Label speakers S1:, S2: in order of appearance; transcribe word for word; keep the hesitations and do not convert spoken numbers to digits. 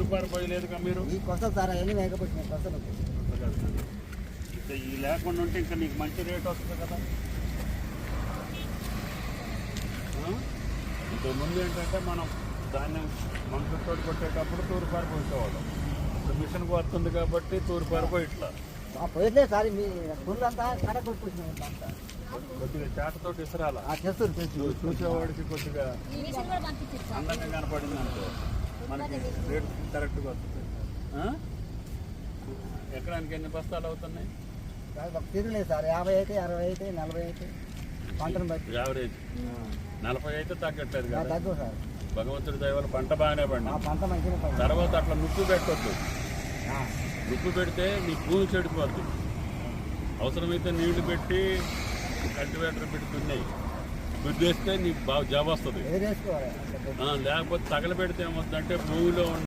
S1: తూర్పారు పోయలేదుగా మీరు
S2: ఈ కొసలు సార్ అవన్నీ వేయకపోతే కొసలు
S1: ఇంకా ఈ లేకుండా ఉంటే ఇంకా నీకు మంచి రేట్ వస్తుంది కదా. ఇంతకుముందు ఏంటంటే మనం ధాన్యం మనుషులతో కొట్టేటప్పుడు తూర్పారు పోసేవాళ్ళం. ఇప్పుడు మిషన్కి వస్తుంది కాబట్టి తూర్పారు పోయి ఇట్లా
S2: పోయట్లేదు సార్ మీ పుల్లు అంతా కడ కొట్టుకుంటున్నాం అంతా
S1: కొద్దిగా చాటతో ఇసరాల
S2: చేస్తారు
S1: చూసేవాడికి కొద్దిగా అందంగా కనపడింది అనుకో మనకి రేట్ కరెక్ట్గా వస్తుంది. ఎకరానికి ఎన్ని బస్తాలు అవుతున్నాయి?
S2: తిరగలేదు సార్, యాభై అయితే అరవై అయితే నలభై అయితే పంటను బట్టి
S1: యావరేజ్ నలభై అయితే తగ్గట్లేదు కదా.
S2: తగ్గు సార్,
S1: భగవంతుడి దయ వల్ల పంట బాగానే పడింది.
S2: పంట మంచిగా
S1: తర్వాత అట్లా నుప్పు పెట్టొద్దు. నుప్పు పెడితే నీ భూమి చెడిపోద్ది. అవసరమైతే నీళ్లు పెట్టి కల్టివేటర్ పెట్టి దున్నాయి దుద్దేస్తే నీకు బాగా జాబ్ వస్తుంది. లేకపోతే తగలబెడితే ఏమవుతుందంటే భూమిలో